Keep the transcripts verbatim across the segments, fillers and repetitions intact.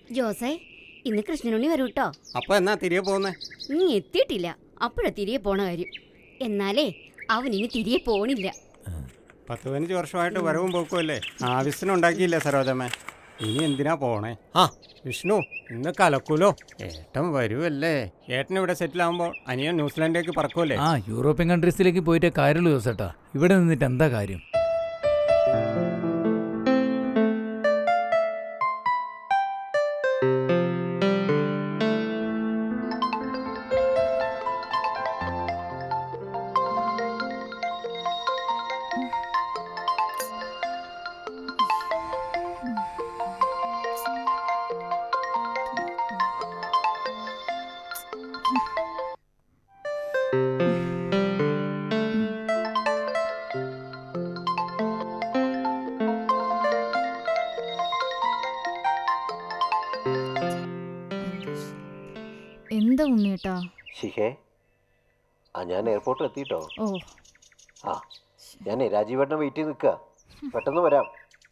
ജോസേ, ഇന്ന് കൃഷ്ണനുണ്ണി വരൂ കേട്ടോ. അപ്പൊ എന്നാ തിരികെ പോകുന്നേ? നീ എത്തിയിട്ടില്ല, അപ്പോഴാ തിരികെ പോണ കാര്യം. എന്നാലേ അവൻ ഇനി തിരികെ പോണില്ല. പത്ത് പതിനഞ്ച് വർഷമായിട്ട് വരവും പോക്കുമല്ലേ, ആവശ്യത്തിനുണ്ടാക്കിയില്ലേ സരോജമ്മേ? ഇനി എന്തിനാ പോണേ? ആ വിഷ്ണു, ഇന്ന് കലക്കൂലോ. ഏട്ടൻ വരുമല്ലേ. ഏട്ടൻ ഇവിടെ സെറ്റിൽ ആകുമ്പോൾ അനിയൻ ന്യൂസിലാൻഡിലേക്ക് പറക്കുമല്ലേ? ആ യൂറോപ്യൻ കൺട്രീസിലേക്ക് പോയിട്ടേ കാര്യമുള്ളൂ ജോസേട്ടാ. ഇവിടെ നിന്നിട്ട് എന്താ കാര്യം? എന്താ ഉണ്ണിയേട്ടാ? ശിഖേ, ആ ഞാൻ എയർപോർട്ടിൽ എത്തിയിട്ടോ. ഓ ആ ഞാൻ രാജീവേട്ടനെ വെയിറ്റ് ചെയ്ത് നിൽക്കുക, പെട്ടെന്ന് വരാം.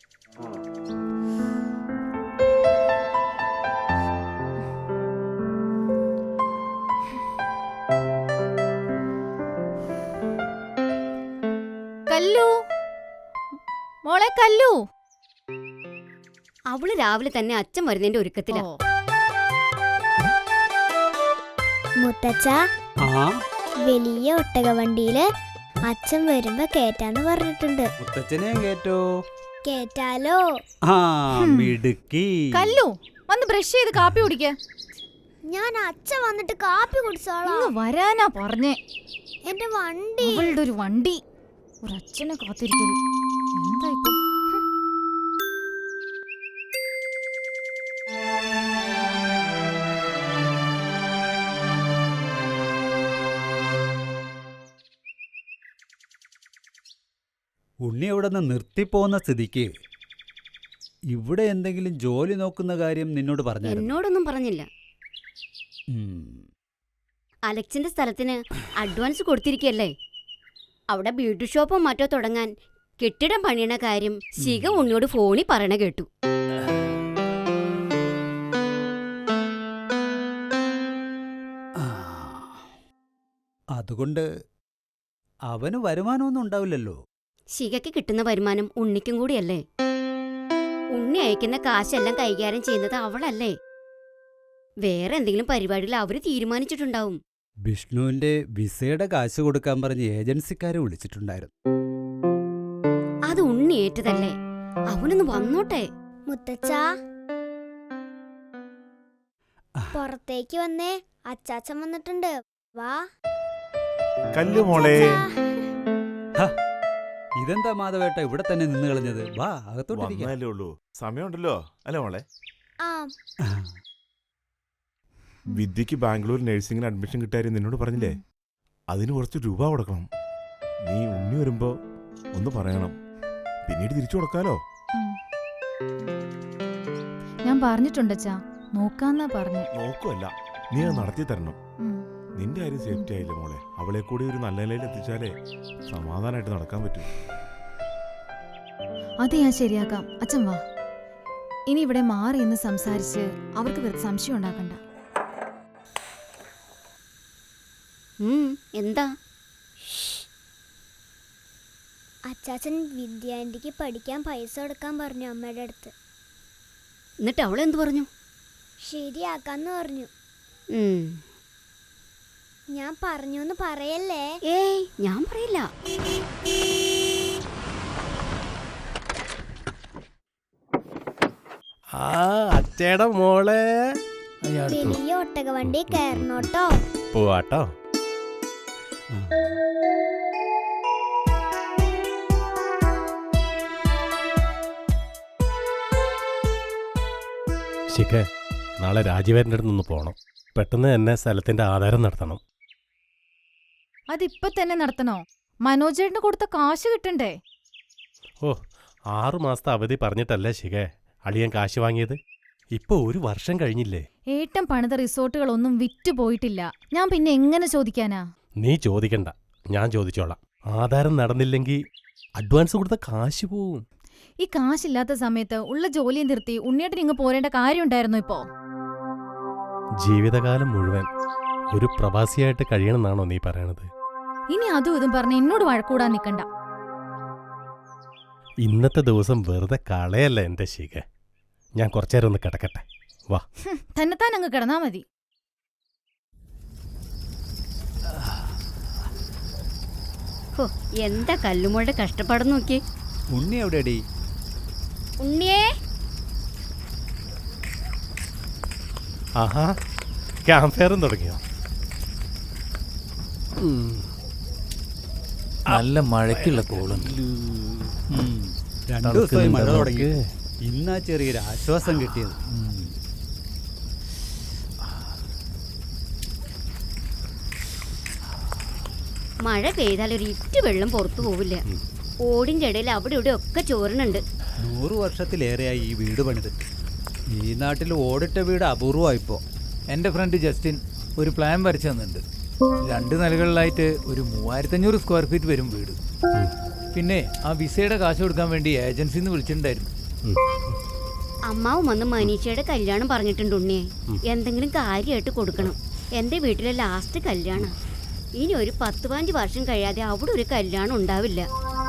കല്ലു, മോളെ കല്ലു. അവള് രാവിലെ തന്നെ അച്ഛൻ വരുന്നതിന്റെ ഒരുക്കത്തിലാ. മുത്തച്ഛ, വലിയ ഒട്ടകവണ്ടിയില് അച്ഛൻ വരുമ്പോ കേറ്റാന്ന് പറഞ്ഞിട്ടുണ്ട്. മുത്തച്ഛനെ കേറ്റോ? കേറ്റാലോ? ആ മിടുക്കി. കല്ലു, വന്ന് ബ്രഷ് ചെയ്ത് കാപ്പി കുടിക്ക. ഞാൻ അച്ഛൻ വന്നിട്ട് കാപ്പി കുടിച്ചോളാം. വരാനാ പറഞ്ഞേ. എന്റെ വണ്ടി. അവളുടെ ഒരു വണ്ടി, ഒരു അച്ഛനെ കാത്തിരിക്കരുത്. എന്താ ഇപ്പൊ? ഉണ്ണി അവിടെ നിന്ന് നിർത്തിപ്പോന്ന സ്ഥിതിക്ക് ഇവിടെ എന്തെങ്കിലും ജോലി നോക്കുന്ന കാര്യം നിന്നോട് പറഞ്ഞു? എന്നോടൊന്നും പറഞ്ഞില്ല. അലക്സിന്റെ സ്ഥലത്തിന് അഡ്വാൻസ് കൊടുത്തിരിക്കല്ലേ. അവിടെ ബ്യൂട്ടി ഷോപ്പോ മറ്റോ തുടങ്ങാൻ കെട്ടിടം പണിയണ കാര്യം ശിഖ ഉണ്ണിയോട് ഫോണിൽ പറയണ കേട്ടു. അതുകൊണ്ട് അവന് വരുമാനമൊന്നും ഉണ്ടാവില്ലല്ലോ. ശിഖയ്ക്ക് കിട്ടുന്ന വരുമാനം ഉണ്ണിക്കും കൂടിയല്ലേ. ഉണ്ണി അയക്കുന്ന കാശെല്ലാം കൈകാര്യം ചെയ്യുന്നത് അവളല്ലേ. വേറെ എന്തെങ്കിലും പരിപാടിയിൽ അവര് തീരുമാനിച്ചിട്ടുണ്ടാവും. വിഷ്ണുവിന്റെ വിസയുടെ കാശ് കൊടുക്കാൻ പറഞ്ഞ് ഏജൻസിക്കാരെ വിളിച്ചിട്ടുണ്ടായിരുന്നു. അത് ഉണ്ണി ഏറ്റതല്ലേ, അവനൊന്ന് വന്നോട്ടെ. മുത്തച്ഛ, പുറത്തേക്ക് വന്നേ, അച്ചാച്ചൻ വന്നിട്ടുണ്ട്. വാ. കല്ലു മോളെ. ഇതെന്താ മാധവേട്ട ഇവിടെ തന്നെ നിന്ന് കളഞ്ഞത്? വാ, അകത്തോട്ടേ ഉള്ളൂ, സമയമുണ്ടല്ലോ അല്ലേ മോളെ? ആ, വിദ്യക്ക് ബാംഗ്ലൂർ നഴ്സിംഗിന് അഡ്മിഷൻ കിട്ടാരും നിന്നോട് പറഞ്ഞില്ലേ? അതിന് കുറച്ച് രൂപ കൊടുക്കണം. നീ ഉണ്ണി വരുമ്പോ ഒന്ന് പറയണം, പിന്നീട് തിരിച്ചു കൊടുക്കാലോ. ഞാൻ പറഞ്ഞിട്ടുണ്ടച്ചാ, നോക്കാന്നാ പറഞ്ഞു. നോക്കുമല്ല, നീ അത് നടത്തി തരണം. നിന്റെ കാര്യം സേഫ്റ്റി ആയില്ലേ മോളെ? അവളെ കൂടി ഒരു നല്ല നിലയിൽ എത്തിച്ചാലേ സമാധാനമായിട്ട് നടക്കാൻ പറ്റൂ. അത് ഞാൻ ശരിയാക്കാം. അച്ഛൻ വാ. ഇനി ഇവിടെ മാറി എന്ന് സംസാരിച്ച് അവർക്ക് വെറുതെ സംശയം ഉണ്ടാക്കണ്ട. എന്താ? അച്ചാച്ചൻ വിദ്യാന്റിക്ക് പഠിക്കാൻ പൈസ കൊടുക്കാൻ പറഞ്ഞു അമ്മയുടെ അടുത്ത്. എന്നിട്ട് അവളെന്ത് പറഞ്ഞു? ശരിയാക്കാന്ന് പറഞ്ഞു. ഞാൻ പറഞ്ഞൂന്ന് പറയല്ലേ? ഏയ്, ഞാൻ പറയില്ല. ആ അച്ചേടെ മോളെ, വലിയ ഒട്ടകവണ്ടി കയറണോട്ടോ. പോവാട്ടോ. ശിഖ, നാളെ രാജീവേട്ടൻ്റെ അടുത്ത് നിന്ന് പോകണം. പെട്ടെന്ന് തന്നെ സ്ഥലത്തിന്റെ ആധാരം നടത്തണം. അതിപ്പോ തന്നെ നടത്തണോ? മനോജേട്ടന് കൊടുത്ത കാശ് കിട്ടണ്ടേ? ഓ, ആറു മാസത്തെ അവധി പറഞ്ഞിട്ടല്ലേ ശിഖ അളിയൻ കാശ് വാങ്ങിയത്? ഇപ്പൊ ഒരു വർഷം കഴിഞ്ഞില്ലേ? ഏട്ടൻ പണിത റിസോർട്ടുകളൊന്നും വിറ്റുപോയിട്ടില്ല. ഞാൻ പിന്നെ എങ്ങനെ ചോദിക്കാനാ? നീ ചോദിക്കണ്ട, ഞാൻ ചോദിച്ചോളാം. ആധാരം നടന്നില്ലെങ്കിൽ അഡ്വാൻസ് കൊടുത്ത കാശ് പോവും. ഈ കാശില്ലാത്ത സമയത്ത് ഉള്ള ജോലിയും നിർത്തി ഉണ്ണിയേട്ടൻ ഇങ്ങ് പോരേണ്ട കാര്യം ഉണ്ടായിരുന്നു ഇപ്പോ? ജീവിതകാലം മുഴുവൻ ഒരു പ്രവാസിയായിട്ട് കഴിയണമെന്നാണോ നീ പറയണത്? ഇനി അതും ഇതും പറഞ്ഞ് എന്നോട് വഴക്കൂടാൻ നിക്കണ്ട. ഇന്നത്തെ ദിവസം വെറുതെ കളയല്ല എൻ്റെ ശിഖ. ഞാൻ കുറച്ചേരം ഒന്ന് കിടക്കട്ടെ, വാ. തന്നെത്താൻ അങ്ങ് കിടന്നാ മതി. ഹോ, എന്താ കല്ലുമോളുടെ കഷ്ടപ്പാടെന്ന് നോക്കി. ഉണ്ണി എവിടെയടി? ഉണ്ണിയേ, ആഹാ, ക്യാമ്പ് ഫയറും തുടങ്ങിയോ? നല്ല മഴയ്ക്കുള്ള കോളും. രണ്ടു ദിവസമായി മഴ തുടങ്ങി. ഇന്നാ ചെറിയൊരു ആശ്വാസം കിട്ടിയത്. മഴ പെയ്താൽ ഒരു ഇറ്റ് വെള്ളം പുറത്തു പോവില്ല. ഓടിൻ്റെ ഇടയിൽ അവിടെ ഇവിടെ ഒക്കെ ചോരണുണ്ട്. നൂറ് വർഷത്തിലേറെയായി ഈ വീട് പണിത്. ഈ നാട്ടിൽ ഓടിട്ട വീട് അപൂർവമായിപ്പോ. എൻ്റെ ഫ്രണ്ട് ജസ്റ്റിൻ ഒരു പ്ലാൻ വരച്ചു തന്നിട്ടുണ്ട്. രണ്ട് നിലകളിലായിട്ട് ഒരു മൂവായിരത്തഞ്ഞൂറ് സ്ക്വയർ ഫീറ്റ് വരും വീട്. പിന്നെ ആ വിസയുടെ കാശ് കൊടുക്കാൻ വേണ്ടി ഏജൻസിയിൽ നിന്ന് വിളിച്ചിട്ടുണ്ടായിരുന്നു. അമ്മാവും വന്ന് മനീഷയുടെ കല്യാണം പറഞ്ഞിട്ടുണ്ട് ഉണ്ണിയെ. എന്തെങ്കിലും കാര്യമായിട്ട് കൊടുക്കണം. എൻ്റെ വീട്ടിലെ ലാസ്റ്റ് കല്യാണം. ഇനി ഒരു പത്ത് പതിനഞ്ച് വർഷം കഴിയാതെ അവിടെ ഒരു കല്യാണം ഉണ്ടാവില്ല.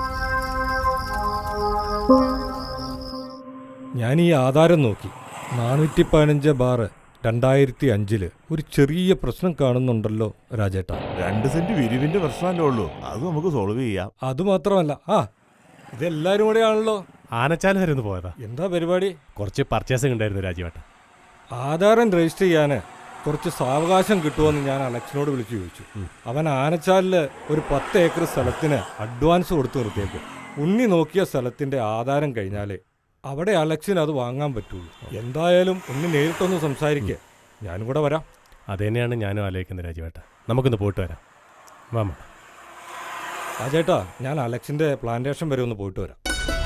ഞാൻ ഈ ആധാരം നോക്കി. നാനൂറ്റി പതിനഞ്ച് ബാറ് രണ്ടായിരത്തി അഞ്ചില് ഒരു ചെറിയ പ്രശ്നം കാണുന്നുണ്ടല്ലോ രാജേട്ടാ. രണ്ട് സെന്റ് വിരിവിന്റെ പ്രശ്നമല്ലേ ഉള്ളൂ, അത് നമുക്ക് സോൾവ് ചെയ്യാം. അതുമാത്രമല്ല, ആ ഇതെല്ലാരും കൂടെ ആണല്ലോ. ആനച്ചാൽ വരെ ഒന്ന് പോയതാ. എന്താ പരിപാടി? കുറച്ച് പർച്ചേസിംഗ് ഉണ്ടായിരുന്നു രാജീവേട്ട. ആധാരം രജിസ്റ്റർ ചെയ്യാൻ കുറച്ച് സാവകാശം കിട്ടുമെന്ന് ഞാൻ അലക്സിനോട് വിളിച്ചു ചോദിച്ചു. അവൻ ആനച്ചാലില് ഒരു പത്ത് ഏക്കർ സ്ഥലത്തിന് അഡ്വാൻസ് കൊടുത്തു നിർത്തിയേക്കും. ഉണ്ണി നോക്കിയ സ്ഥലത്തിന്റെ ആധാരം കഴിഞ്ഞാലേ അവിടെ അലക്സിന് അത് വാങ്ങാൻ പറ്റുള്ളൂ. എന്തായാലും ഉണ്ണി നേരിട്ടൊന്ന് സംസാരിക്കുക. ഞാനും കൂടെ വരാം. അത് തന്നെയാണ് ഞാനും ആലോചിക്കുന്നത് രാജീവേട്ട. നമുക്കൊന്ന് പോയിട്ട് വരാം, വാമ. രാജേട്ടാ, ഞാൻ അലക്സിന്റെ പ്ലാന്റേഷൻ വരെ ഒന്ന് പോയിട്ട് വരാം.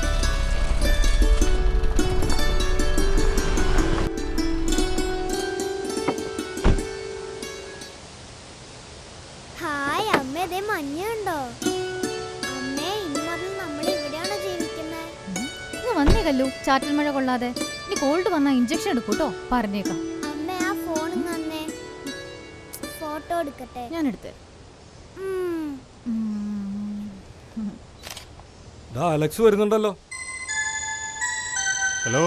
ഹായ് അമ്മ, ഇതേ മഞ്ഞുണ്ടോ? അമ്മേ, ഇനി മുതൽ നമ്മൾ ഇവിടെയാണോ ജീവിക്കുന്നത്? ഇങ്ങ് വന്നേ കല്ലു, ചാറ്റൽ മഴ കൊള്ളാതെ. ഇനി കോൾഡ് വന്നാ ഇഞ്ചക്ഷൻ എടുക്കൂട്ടോ, പറഞ്ഞേക്കാം. അമ്മ, ആ ഫോൺ തന്നെ ഫോട്ടോ എടുക്കട്ടെ. ഞാൻ എടുത്തേ. ദാ അലക്സ് വരുന്നുണ്ടല്ലോ. ഹലോ.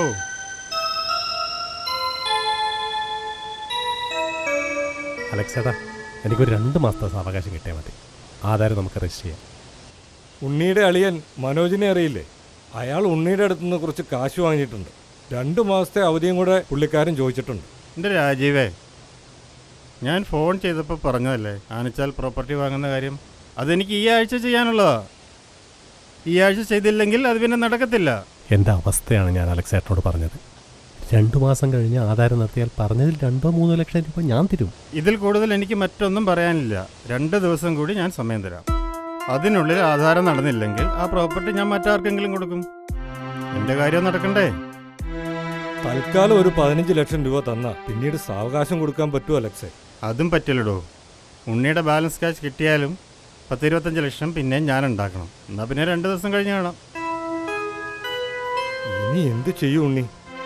അലക്സേട്ടാ, എനിക്കൊരു രണ്ട് മാസത്തെ സാവകാശം കിട്ടിയാൽ മതി. ആധാരം നമുക്ക് രജിസ്റ്റർ ചെയ്യാം. ഉണ്ണിയുടെ അളിയൻ മനോജിനെ അറിയില്ലേ? അയാൾ ഉണ്ണിയുടെ അടുത്ത് നിന്ന് കുറച്ച് കാശ് വാങ്ങിയിട്ടുണ്ട്. രണ്ട് മാസത്തെ അവധിയും കൂടെ പുള്ളിക്കാരൻ ചോദിച്ചിട്ടുണ്ട്. എൻ്റെ രാജീവേ, ഞാൻ ഫോൺ ചെയ്തപ്പോൾ പറഞ്ഞതല്ലേ ആനച്ചാൽ പ്രോപ്പർട്ടി വാങ്ങുന്ന കാര്യം. അതെനിക്ക് ഈ ആഴ്ച ചെയ്യാനുള്ളതാ. ഈ ആഴ്ച ചെയ്തില്ലെങ്കിൽ അത് പിന്നെ നടക്കത്തില്ല. എൻ്റെ അവസ്ഥയാണ് ഞാൻ അലക്സേട്ടനോട് പറഞ്ഞത്. രണ്ടു മാസം കഴിഞ്ഞ് ആധാരം നടത്തിയാൽ പറഞ്ഞതിൽ രണ്ടോ മൂന്നോ ലക്ഷം രൂപ ഞാൻ തരും. ഇതിൽ കൂടുതൽ എനിക്ക് മറ്റൊന്നും പറയാനില്ല. രണ്ട് ദിവസം കൂടി ഞാൻ സമയം തരാം. അതിനുള്ളിൽ ആധാരം നടന്നില്ലെങ്കിൽ ആ പ്രോപ്പർട്ടി ഞാൻ മറ്റാർക്കെങ്കിലും കൊടുക്കും. എൻ്റെ കാര്യം നടക്കണ്ടേ? തൽക്കാലം ഒരു പതിനഞ്ച് ലക്ഷം രൂപ തന്ന പിന്നീട് സാവകാശം കൊടുക്കാൻ പറ്റുമോ അലക്സേ? അതും പറ്റില്ലടോ. ഉണ്ണിയുടെ ബാലൻസ് ക്യാഷ് കിട്ടിയാലും പത്തിരുപത്തഞ്ച് ലക്ഷം പിന്നെ ഞാൻ ഉണ്ടാക്കണം. എന്നാൽ പിന്നെ രണ്ട് ദിവസം കഴിഞ്ഞ് കാണാം. ഇനി എന്ത് ചെയ്യും ഉണ്ണി?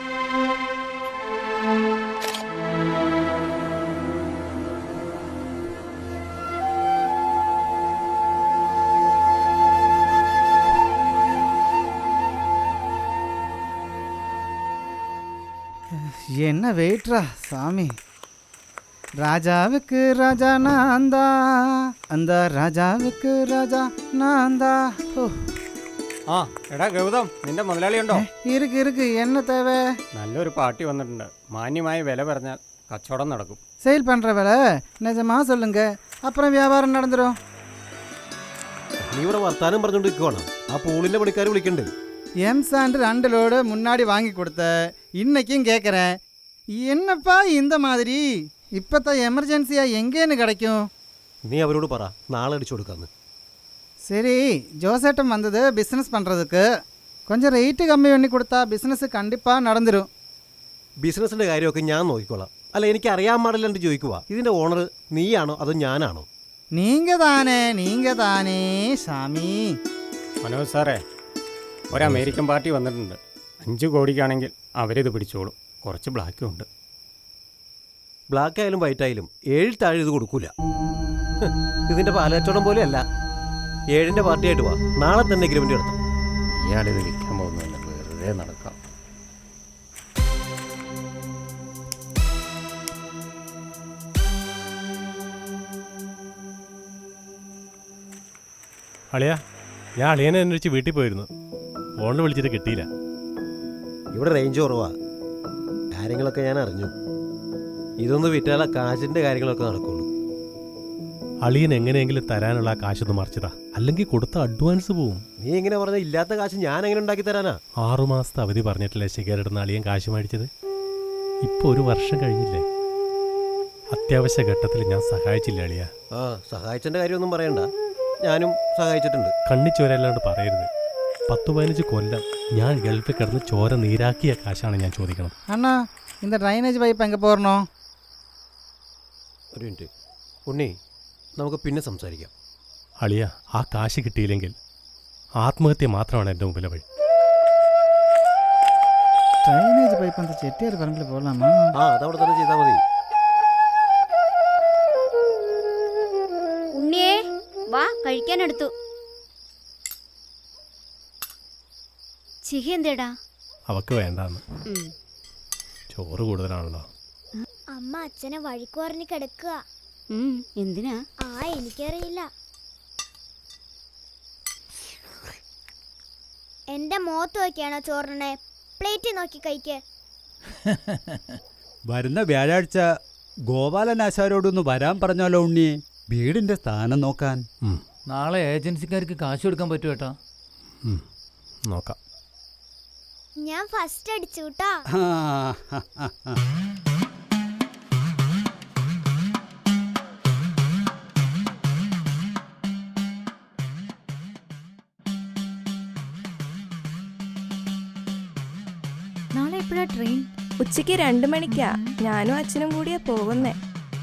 என்ன வெயிட்ரா சாமி. ராஜாவுக்கு ராஜா நான்தா, அந்த ராஜാவுக்கு ராஜா நான்தா. ஓ, ആ എടാ ഗൗതം, നിന്റെ മുതലാളി ഉണ്ടോ? இருக்கு இருக்கு, என்ன தேவை? നല്ലൊരു പാർട്ടി വന്നിട്ടുണ്ട്. മാന്യമായ വില പറഞ്ഞാൽ കച്ചവടം നടക്കും. சேல் பண்ணுற வேலை நிஜமா சொல்லுங்க, அப்புறம் வியாபாரம் நடந்துடும். നീ ഇവിടെ വർത്താനം പറഞ്ഞോണ്ടിരിക്കുവാണ്. ആ പൂളിന്റെ പണിക്കാർ വിളിക്കണ്ട്. எம் சாண்டு ரெண்டு லோடு முன்னாடி வாங்கி கொடுத்த, இன்னைக்கும் கேட்குறேன். என்னப்பா இந்த மாதிரி? இப்போத்த எமர்ஜென்சியாக எங்கேன்னு கிடைக்கும்? നീ അവരോട് പറ നാളെ അടിച്ചു കൊടുക്കാന്ന്. சரி, ஜோசேட்டம் வந்தது பிஸ்னஸ் பண்ணுறதுக்கு. கொஞ்சம் റേറ്റ് കമ്മി பண்ணி கொடுத்தா பிஸ்னஸ் கண்டிப்பாக நடந்துடும். ബിസിനസിന്റെ കാര്യമൊക്കെ ഞാൻ നോക്കിക്കോളാം. അല്ല, എനിക്ക് അറിയാൻ പാടില്ലാണ്ട് ചോദിക്കുക, ഇതിന്റെ ഓണർ നീയാണോ അതോ ഞാനാണോ? நீங்கள் தானே, நீங்கள் தானே சாமி. മനോജ് സാറേ, ഒരു അമേരിക്കൻ പാർട്ടി വന്നിട്ടുണ്ട്. അഞ്ച് കോടിക്കാണെങ്കിൽ അവരിത് പിടിച്ചോളും. കുറച്ച് ബ്ലാക്കും ഉണ്ട്. ബ്ലാക്ക് ആയാലും വൈറ്റ് ആയാലും ഏഴിൽ താഴെ ഇത് കൊടുക്കൂല. ഹ്, ഇതിന്റെ പാലക്കച്ചവടം പോലെയല്ല. ഏഴിന്റെ പാർട്ടിയായിട്ട് വാ, നാളെ തന്നെ എഗ്രിമെന്റ് എടുത്തു. ഇയാളിത് വിൽക്കാൻ പോകുന്നില്ല, വെറുതെ നടക്കാം. അളിയാ, ഞാൻ അളിയനെ അന്വേഷിച്ച് വീട്ടിൽ പോയിരുന്നു. ഫോണിൽ വിളിച്ചിട്ട് കിട്ടിയില്ല. ഇവിടെ റേഞ്ച് കുറവാ. കാര്യങ്ങളൊക്കെ ഞാൻ അറിഞ്ഞു. ഇതൊന്ന് വിറ്റാല കാശിന്റെ കാര്യങ്ങളൊക്കെ നടക്കുള്ളൂ. അളിയൻ എങ്ങനെയെങ്കിലും തരാനുള്ള ആ കാശൊന്ന് മറിച്ചതാ, അല്ലെങ്കിൽ കൊടുത്ത അഡ്വാൻസ് പോവും. നീ എങ്ങനെ പറഞ്ഞ ഇല്ലാത്ത കാശ് ഞാൻ എങ്ങനെ ഉണ്ടാക്കി തരാനാ? ആറുമാസത്തെ അവധി പറഞ്ഞിട്ടില്ലേ ശിഖരിടുന്ന അളിയൻ കാശ് മേടിച്ചത്? ഇപ്പൊ ഒരു വർഷം കഴിഞ്ഞില്ലേ? അത്യാവശ്യ ഘട്ടത്തിൽ ഞാൻ സഹായിച്ചില്ല അളിയ. ആ, സഹായിച്ചതിന്റെ കാര്യമൊന്നും പറയണ്ട, ഞാനും സഹായിച്ചിട്ടുണ്ട്. കണ്ണിച്ചോരല്ലാണ്ട് പറയരുത്. പത്ത് പതിനഞ്ച് കൊല്ലം ഞാൻ ഗൾഫിൽ കിടന്ന് ചോര നീരാക്കിയ കാശാണ് ഞാൻ ചോദിക്കണം. അണ്ണാ, இந்த ட்ரைனேஜ் பைப் எங்கே போடணும்? ഒരു മിനിറ്റ് ഉണ്ണി, നമുക്ക് പിന്നെ സംസാരിക്കാം. അളിയ, ആ കാശ് കിട്ടിയില്ലെങ്കിൽ ആത്മഹത്യ മാത്രമാണ് എൻ്റെ മുമ്പിലെ വഴി. ட்ரைனேஜ் பைப் அந்த செட்டியார் பரம்பில் போடலாமா? ആ, അതവിടെ തന്നെ ചെയ്താൽ മതി. ഉണ്ണിയേ വാ, കഴിക്കാനെടുത്തു. ചിഹ എന്തേടാ? അവക്ക് വേണ്ടാന്ന്. ചോറ് കൂടുതലാണല്ലോ. അമ്മ അച്ഛനെ വഴിക്ക് പറഞ്ഞ് കിടക്കുക. എന്തിനാ? ആ, എനിക്കറിയില്ല. എന്റെ മുഖത്ത് നോക്കിയാണോ ചോറിനെ? പ്ലേറ്റ് നോക്കി കഴിക്ക്. വരുന്ന വ്യാഴാഴ്ച ഗോപാലനാശാരോടൊന്ന് വരാൻ പറഞ്ഞാലോ ഉണ്ണിയെ, വീടിന്റെ സ്ഥാനം നോക്കാൻ. നാളെ ഏജൻസിക്കാർക്ക് കാശ് കൊടുക്കാൻ പറ്റുമോ ഏട്ടാ? നോക്കാം. ഞാൻ ഫസ്റ്റ് അടിച്ചു കേട്ടാ. നാളെ എപ്പോഴാ ട്രെയിൻ? ഉച്ചയ്ക്ക് രണ്ട് മണിക്കാ. ഞാനും അച്ഛനും കൂടിയാ പോകുന്നേ.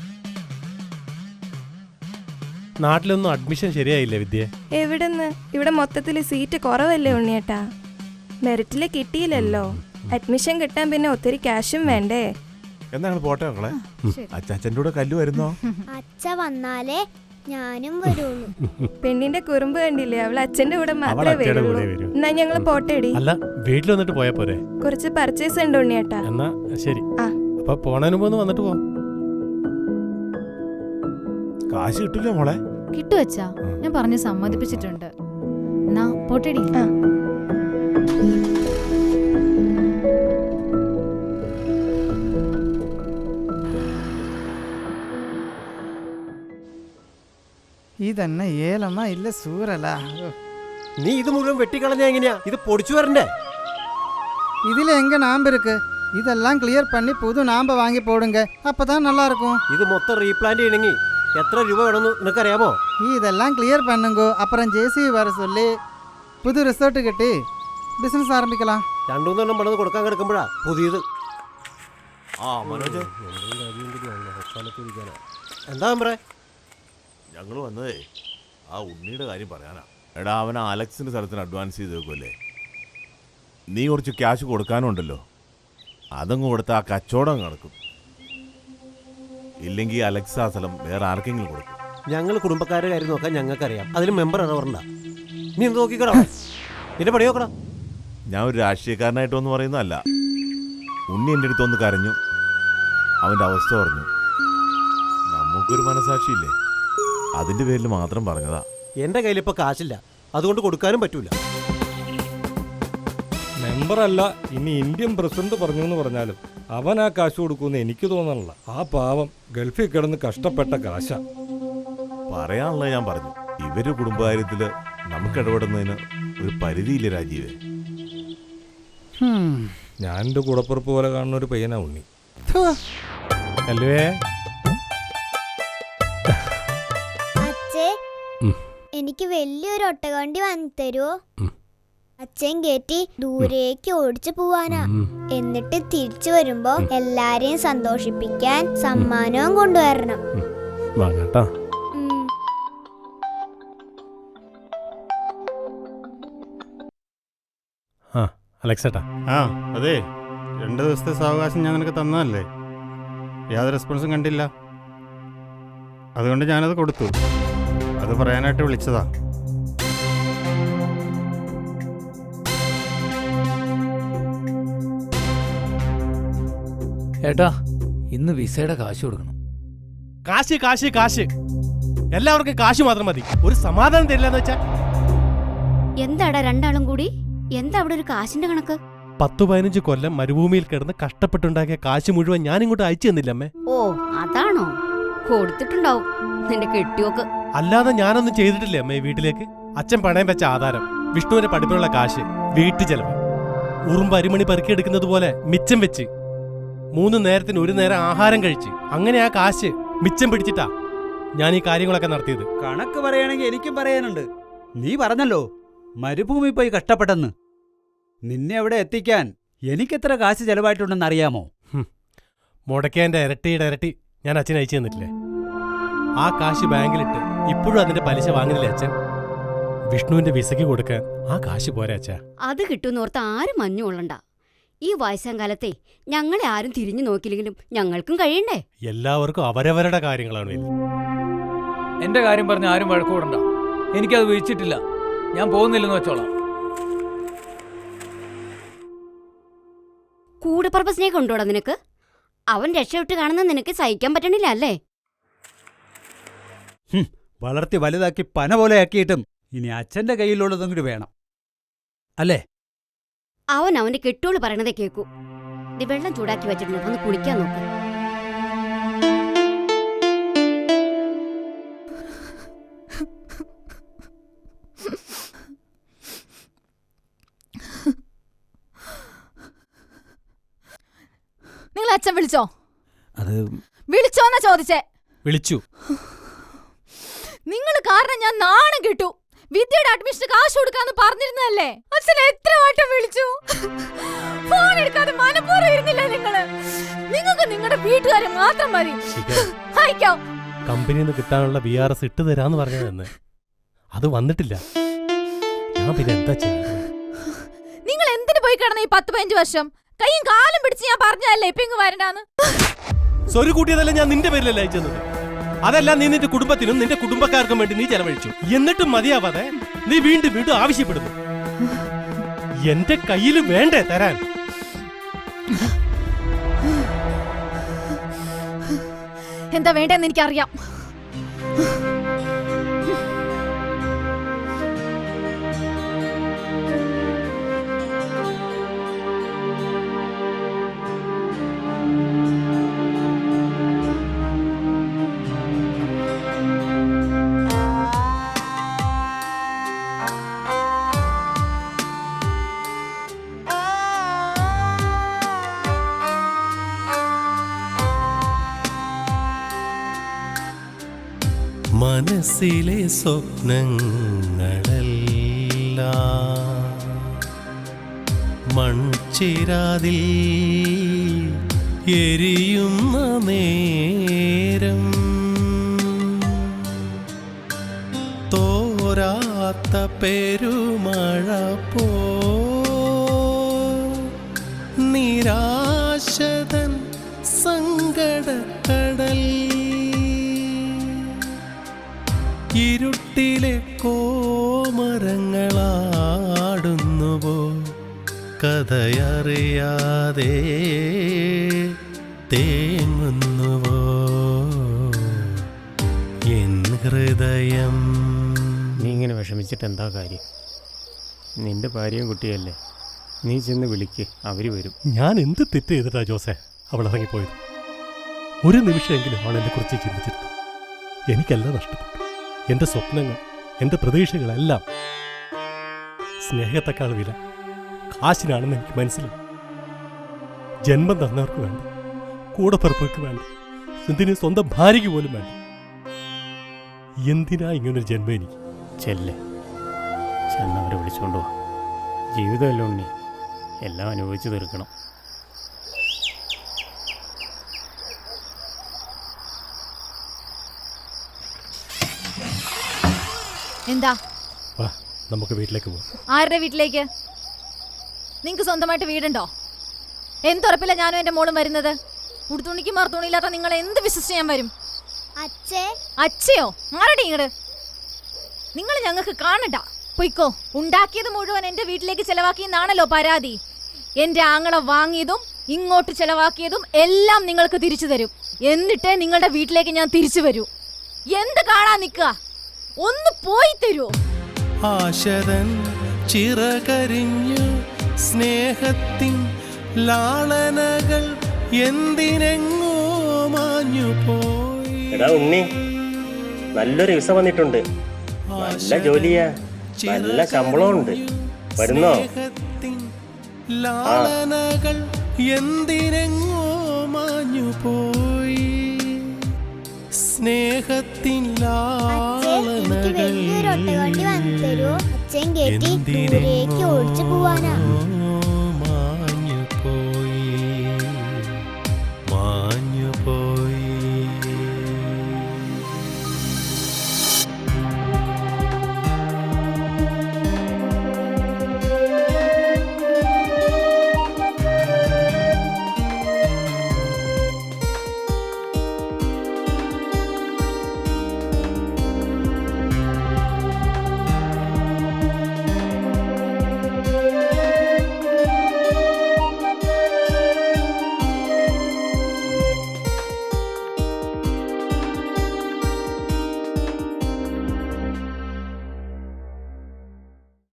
നാട്ടിലൊന്നും അഡ്മിഷൻ ശരിയായില്ലേ വിദ്യ? എവിടെന്ന്? ഇവിടെ മൊത്തത്തിൽ സീറ്റ് കുറവല്ലേ ഉണ്ണിയേട്ടാ? മെറിറ്റില് കിട്ടിയില്ലല്ലോ. അഡ്മിഷൻ കിട്ടാൻ പിന്നെ ഒത്തിരി ക്യാഷും വേണ്ടേ? എന്നാ പോട്ടെ മക്കളെ. അച്ചാച്ചൻ്റെ കൂടെ കല്ലു വരുന്നോ? അച്ഛ വന്നാലേ ഞാനും വരുള്ളൂ. പെണ്ണിന്റെ കുറുമ്പ് കണ്ടില്ലേ? അവൾ അച്ഛന്റെ കൂടെ മാത്രമേ വരുള്ളൂ. എന്നാ ഞങ്ങള് പോട്ടേടി. അല്ല, വീട്ടിൽ വന്നിട്ട് പോയാ പോരെ? കുറച്ച് പർച്ചേസ് ഉണ്ട് ഉണ്ണിയേട്ടാ. എന്നാ ശരി. ആ, അപ്പൊ പോണതിന് മുമ്പ് വന്നിട്ട് പോ. കാശ് കിട്ടില്ല മോളെ? കിട്ടുവച്ചാ, ഞാൻ പറഞ്ഞ് സമ്മതിപ്പിച്ചിട്ടുണ്ട്. എന്നാ പോട്ടേടി. ആ. ഇതന്നെ ഏലമ്മ ഇല്ല സൂറല. നീ ഇത് മുഴുവൻ വെട്ടിക്കളഞ്ഞ എങ്ങനെയാ? ഇത് പൊടിച്ചു വരണ്ടേ? ഇതിൽ எங்க நாம்பு இருக்கு? இதெல்லாம் கிளியர் பண்ணி புது நாம்பை வாங்கி போடுங்க, அப்பதான் நல்லா இருக்கும். ഇത് മൊത്തം റീപ്ലാന്റ് ചെയ്യണമെങ്കിൽ എത്ര രൂപ വേണമെന്ന് നിനക്കറിയാമോ? இதெல்லாம் கிளியர் பண்ணுங்க, அப்புறம் ஜேசிபி வர சொல்லி புது റിസോർട്ട് കിട്ടി ബിസിനസ് ആരംഭിക്കലാം. രണ്ടു മൂന്നെണ്ണം പണിത് കൊടുക്കാൻ കിടക്കുമ്പോഴാ പുതിയത്. ആ മനോജ്, എന്താ പറ? ഞങ്ങൾ വന്നതേ ആ ഉണ്ണിയുടെ കാര്യം പറയാനാ. എടാ, അവൻ അലക്സിന്റെ സ്ഥലത്തിന് അഡ്വാൻസ് ചെയ്ത് വെക്കുമല്ലേ? നീ കുറച്ച് ക്യാഷ് കൊടുക്കാനുണ്ടല്ലോ, അതങ്ങ് കൊടുത്ത ആ കച്ചവടം നടക്കും. ഇല്ലെങ്കിൽ അലക്സ് ആ സ്ഥലം വേറെ ആർക്കെങ്കിലും കൊടുക്കും. ഞങ്ങൾ കുടുംബക്കാരുടെ കാര്യം നോക്കാൻ ഞങ്ങൾക്കറിയാം. അതിൽ മെമ്പർ ഇടപെടണ്ട. നീ എന്ത് നോക്കിക്കടാ? നിന്റെ പണി നോക്കടാ. ഞാൻ ഒരു രാഷ്ട്രീയക്കാരനായിട്ടൊന്നും പറയുന്നതല്ല. ഉണ്ണി എൻ്റെ അടുത്തൊന്ന് കരഞ്ഞു, അവൻ്റെ അവസ്ഥ പറഞ്ഞു. നമുക്കൊരു മനസാക്ഷിയില്ലേ, അതിൻ്റെ പേരിൽ മാത്രം പറഞ്ഞതാ. എൻ്റെ കയ്യിൽ ഇപ്പോൾ കാശില്ല, അതുകൊണ്ട് കൊടുക്കാനും പറ്റൂല. മെമ്പറല്ല, ഇനി ഇന്ത്യൻ പ്രസിഡന്റ് പറഞ്ഞു എന്ന് പറഞ്ഞാലും അവൻ ആ കാശ് കൊടുക്കുമെന്ന് എനിക്ക് തോന്നണില്ല. ആ പാവം ഗൾഫിൽ കിടന്ന് കഷ്ടപ്പെട്ട കാശ. പറയാനുള്ളത് ഞാൻ പറഞ്ഞു. ഇവര് കുടുംബകാര്യത്തിൽ നമുക്ക് ഇടപെടുന്നതിന് ഒരു പരിധിയില്ല രാജീവേ. ഞാൻ എൻ്റെ കൂടപ്പുറപ്പ് പോലെ കാണുന്ന ഒരു പയ്യനാ ഉണ്ണി. അല്ലേ അച്ഛേ, എനിക്ക് വലിയൊരു ഒട്ടകവണ്ടി വാങ്ങി തരുമോ? അച്ഛൻ കയറ്റി ദൂരേക്ക് ഓടിച്ചു പോവാനാ. എന്നിട്ട് തിരിച്ചു വരുമ്പോ എല്ലാരെയും സന്തോഷിപ്പിക്കാൻ സമ്മാനവും കൊണ്ടുവരണം. വാങ്ങാട്ടാ. അലക്സേട്ടാ. ആ അതെ, രണ്ട് ദിവസത്തെ സാവകാശം ഞാൻ നിനക്ക് തന്നതല്ലേ, യാതൊരു റെസ്പോൺസും കണ്ടില്ല. അതുകൊണ്ട് ഞാനത് കൊടുത്തു. അത് പറയാനായിട്ട് വിളിച്ചതാ. ഏട്ടാ, ഇന്ന് വിസയുടെ കാശ് കൊടുക്കണം. കാശ് കാശ് കാശ്, എല്ലാവർക്കും കാശ് മാത്രം മതി, ഒരു സമാധാനം തരില്ലെന്ന് വെച്ചാ. എന്താടാ രണ്ടാളും കൂടി? എന്താ അവിടെ ഒരു കാശിന്റെ കണക്ക്? പത്തു പതിനഞ്ച് കൊല്ലം മരുഭൂമിയിൽ കിടന്ന് കഷ്ടപ്പെട്ടുണ്ടാക്കിയ കാശ് മുഴുവൻ ഞാൻ ഇങ്ങോട്ട് അയച്ചു തന്നില്ല അമ്മേ. ഓ അതാണോ? കൊടുത്തിട്ടുണ്ടാവും നിന്റെ കെട്ടിയോക്ക്. അല്ലാതെ ഞാനൊന്നും ചെയ്തിട്ടില്ലേ അമ്മേ. വീട്ടിലേക്ക് അച്ഛൻ പണയം വെച്ച ആധാരം, വിഷ്ണുവിന്റെ പഠിപ്പിനുള്ള കാശ്, വീട്ടു ചെലവ്, ഉറുമ്പ് അരിമണി പെറുക്കിയെടുക്കുന്നത് പോലെ മിച്ചം വെച്ച് മൂന്ന് നേരത്തിന് ഒരു നേരം ആഹാരം കഴിച്ച് അങ്ങനെ ആ കാശ് മിച്ചം പിടിച്ചിട്ടാ ഞാൻ ഈ കാര്യങ്ങളൊക്കെ നടത്തിയത്. കണക്ക് പറയുകയാണെങ്കിൽ എനിക്കും പറയാനുണ്ട്. നീ പറഞ്ഞല്ലോ മരുഭൂമി പോയി കഷ്ടപ്പെട്ടെന്ന്. നിന്നെ അവിടെ എത്തിക്കാൻ എനിക്കെത്ര കാശ് ചെലവായിട്ടുണ്ടെന്ന് അറിയാമോ? മുടക്കേന്റെ ഇരട്ടിയുടെ ഇരട്ടി ഞാൻ അച്ഛൻ അയച്ചു തന്നിട്ടില്ലേ? ആ കാശ് ബാങ്കിലിട്ട് ഇപ്പോഴും അതിന്റെ പലിശ വാങ്ങുന്നില്ലേ അച്ഛൻ? വിഷ്ണുവിന്റെ വിസയ്ക്ക് കൊടുക്കാൻ ആ കാശ് പോരാ അച്ഛാ. അത് കിട്ടുന്നോർത്ത് ആരും മഞ്ഞു കൊള്ളണ്ട. ഈ വയസ്സാം കാലത്തെ ഞങ്ങളെ ആരും തിരിഞ്ഞു നോക്കില്ലെങ്കിലും ഞങ്ങൾക്കും കഴിയണ്ടേ? എല്ലാവർക്കും അവരവരുടെ കാര്യങ്ങളാണ്. എന്റെ കാര്യം പറഞ്ഞ് ആരും വഴക്കൂടണ്ട. എനിക്കത് വീഴ്ചിട്ടില്ല. ഞാൻ പോകുന്നില്ലെന്ന് വെച്ചോളാം. കൂടെ പർപ്പസിനെ കൊണ്ടോടാ നിനക്ക്? അവൻ രക്ഷവിട്ട് കാണുന്ന നിനക്ക് സഹിക്കാൻ പറ്റണില്ല അല്ലേ? വളർത്തി വലുതാക്കി പന പോലെയാക്കിയിട്ടും ഇനി അച്ഛന്റെ കയ്യിലുള്ളതും കൂടി വേണം അല്ലേ? അവൻ അവന്റെ കെട്ടോള് പറയണതേ കേക്കൂ. വെള്ളം ചൂടാക്കി വെച്ചിട്ടുണ്ട്, ഒന്ന് കുളിക്കാൻ നോക്ക്. നിങ്ങൾ അച്ഛൻ വിളിച്ചോ? അത് വിളിച്ചോന്നാ ചോദിച്ചേ. വിളിച്ചു. നിങ്ങൾ കാരണം ഞാൻ നാണം കിട്ടു. വിദ്യയുടെ അഡ്മിഷൻ കാശ് കൊടുക്കാന്ന് പറഞ്ഞിരുന്നല്ലേ? അച്ഛൻ എത്ര വട്ടം വിളിച്ചു, ഫോൺ എടുക്കാതെ മനപ്പൂർവ്വം ഇരുന്നില്ല നിങ്ങള്. നിങ്ങൾക്ക് നിങ്ങളുടെ വീട്ടുകാരെ മാത്രം മതി. അയക്കോ. കമ്പനിയിൽ നിന്ന് കിട്ടാനുള്ള വി ആർ എസ് ഇട്ട് തരാന്ന് പറഞ്ഞതെന്ന് അത് വന്നിട്ടില്ല. ഞാൻ പിന്നെ എന്താ ചെയ്യുന്നത്? നിങ്ങൾ എന്തിനു പോയി കിടന്ന ഈ പത്ത് പതിനഞ്ച് വർഷം? കൈയും കാലും പിടിച്ച് ഞാൻ പറഞ്ഞതല്ലേ ഇപ്പൊ ഇങ്ങ് വരണ്ടാന്ന്. സ്വരു കൂട്ടിയതല്ല ഞാൻ നിന്റെ പേരിലല്ല അയച്ചത്. അതെല്ലാം നീ നിന്റെ കുടുംബത്തിനും നിന്റെ കുടുംബക്കാർക്കും വേണ്ടി നീ ചെലവഴിച്ചു. എന്നിട്ടും മതിയാവാതെ നീ വീണ്ടും വീണ്ടും ആവശ്യപ്പെടുന്നു. എന്റെ കയ്യിൽ വേണ്ടേ തരാൻ? എന്താ വേണ്ടെന്ന് എനിക്കറിയാം. മനസ്സിലെ സ്വപ്നങ്ങളെല്ലാം മൺചിരാതിൽ എരിയുന്ന നേരം തോരാത്ത പെരുമഴ പോ നിരാശതൻ സങ്കടക്കടൽ ഇരുട്ടിലെ കോമരങ്ങളാടുന്നുവോ കഥയറിയാതെ തേങ്ങുന്നുവോ എൻ ഹൃദയം. നീ ഇങ്ങനെ വിഷമിച്ചിട്ട് എന്താ കാര്യം? നിന്റെ ഭാര്യയും കുട്ടിയല്ലേ, നീ ചെന്ന് വിളിക്ക്, അവര് വരും. ഞാൻ എന്ത് തെറ്റ് ചെയ്തിട്ടാ ജോസേ അവൾ ഇറങ്ങിപ്പോയത്? ഒരു നിമിഷമെങ്കിലും അവൾ എന്നെ കുറിച്ച് ചിന്തിച്ചിരുന്നു. എനിക്കെല്ലാം നഷ്ടപ്പെട്ടു. എൻ്റെ സ്വപ്നങ്ങൾ, എൻ്റെ പ്രതീക്ഷകളെല്ലാം. സ്നേഹത്തെക്കാൾ വില കാശിനാണെന്ന് എനിക്ക് മനസ്സിലായി. ജന്മം തന്നവർക്ക് വേണ്ട, കൂടപ്പിറപ്പുകൾക്ക് വേണ്ട, എന്തിന് സ്വന്തം ഭാര്യയ്ക്ക് പോലും വേണ്ട. എന്തിനാ ഇങ്ങനൊരു ജന്മം എനിക്ക്? ചെല്ലേ, ചെന്നവരെ വിളിച്ചുകൊണ്ടു പോവാ. ജീവിതമല്ലേ ഉണ്ണി, എല്ലാം അനുഭവിച്ചു തീർക്കണം. എന്താ? വാ നമുക്ക് വീട്ടിലേക്ക് പോവാം. ആരുടെ വീട്ടിലേക്ക്? നിങ്ങക്ക് സ്വന്തമായിട്ട് വീടുണ്ടോ? എന്തുറപ്പില്ല ഞാനും എന്റെ മോളും വരുന്നത്? ഉടുത്തുണിക്ക് മറുത്തുണിയില്ലാത്ത നിങ്ങൾ എന്ത് വിശ്വസിച്ച് ഞാൻ വരും? അച്ഛേ അച്ഛയോ? മാറടി ഇങ്ങട്. നിങ്ങൾ ഞങ്ങൾക്ക് കാണണ്ട. പൊയ്ക്കോ. ഉണ്ടാക്കിയത് മുഴുവൻ എന്റെ വീട്ടിലേക്ക് ചെലവാക്കിയെന്നാണല്ലോ പരാതി. എന്റെ ആങ്ങളെ വാങ്ങിയതും ഇങ്ങോട്ട് ചെലവാക്കിയതും എല്ലാം നിങ്ങൾക്ക് തിരിച്ചു തരും. എന്നിട്ടേ നിങ്ങളുടെ വീട്ടിലേക്ക് ഞാൻ തിരിച്ചു വരൂ. എന്ത് കാണാൻ നിൽക്കുക? ഒന്ന് പോയി തരുമോ? ആശതൻ ചിറകരിഞ്ഞു സ്നേഹത്തിൻ ലാളനകൾ എന്തിനെങ്ങോ മാഞ്ഞു പോയി. എടാ ഉണ്ണി, നല്ലൊരു വിസ വന്നിട്ടുണ്ട്. നല്ല ജോലിയാ, നല്ല ശമ്പളമുണ്ട്. വരുന്നോ? ലാളനകൾ എന്തിനെങ്ങോ മാഞ്ഞു പോയി. സ്നേഹത്തിൻ എനിക്ക് വലിയൊരു ഒട്ടകവണ്ടി വന്നു തരുമോ? അച്ഛൻ കേട്ടി ദൂരേക്ക് ഓടിച്ചു പോവാനാ.